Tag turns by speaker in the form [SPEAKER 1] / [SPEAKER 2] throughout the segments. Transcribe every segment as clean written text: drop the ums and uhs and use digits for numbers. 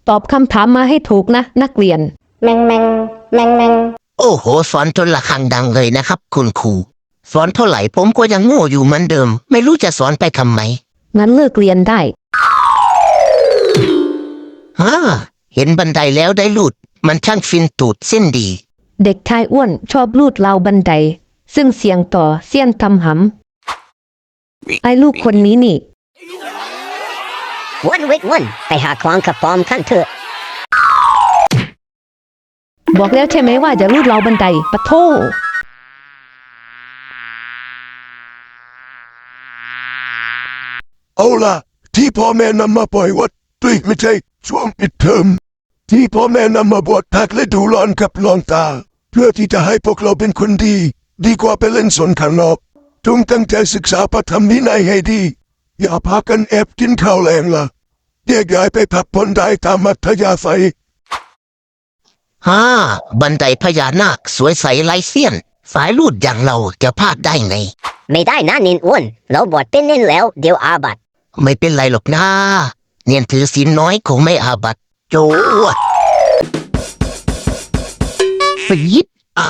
[SPEAKER 1] ตอบคำถามมาให้ถูกนะนักเรียน
[SPEAKER 2] แมงแมงแมงแมง
[SPEAKER 3] โอ้โหสอนจนระฆังดังเลยนะครับคุณครูสอนเท่าไหร่ผมก็ยังโง่อยู่เหมือนเดิมไม่รู้จะสอนไปทำไม
[SPEAKER 1] งั้นเลิกเรียนได้
[SPEAKER 3] เห็นบันไดแล้วได้หลุดมันช่างฟินตูดเส้นดี
[SPEAKER 1] เด็กชายอ้วนชอบลูดราวบันไดซึ่งเสียงต่อเสี้ยนทำหำไอ้ลูกคนนี้นี่
[SPEAKER 2] วันวิกวันไปหาคลองกระป๋อมขั้นเถอะ
[SPEAKER 1] บอกแล้วใช่ไหมว่าจะลูดราวบันไดปะโถ
[SPEAKER 4] เอาล่ะที่พ่อแม่นำมาปล่อยวัดด้วยไม่ใช่ช่วงปิดเทอมที่พ่อแม่นำมาบวชพักและดูร้อนกับลองตาเพื่อที่จะให้พวกเราเป็นคนดีดีกว่าไปเล่นสนข้างนอกจงตั้งใจศึกษาพระธรรมวินัยให้ดีอย่าพากันแอบกินข้าวแรงล่ะแยกย้ายไปพักผ่อนได้ตามมัธยาศัย
[SPEAKER 3] บันไดพญานาคสวยใสไร้เสี้ยนสายลูดอย่างเราจะพลาดได้ไง
[SPEAKER 2] ไม่ได้นะนินอ้วนเราบวชเป็นเน้นแล้วเดี๋ยวอาบัติ
[SPEAKER 3] ไม่เป็นไรหรอกนะเนียนถือศีลน้อยคงไม่อาบัติโจวดฟีด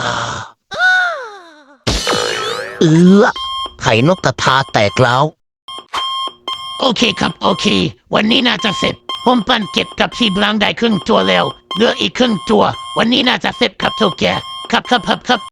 [SPEAKER 3] ไข่นกกระทาแตกแล้ว
[SPEAKER 5] โอเคครับโอเควันนี้น่าจะเสร็จผมปั่นเก็บกับที่บลังได้ครึ่งตัวแล้วเหลืออีกครึ่งตัววันนี้น่าจะเสร็จครับทุกแกครับ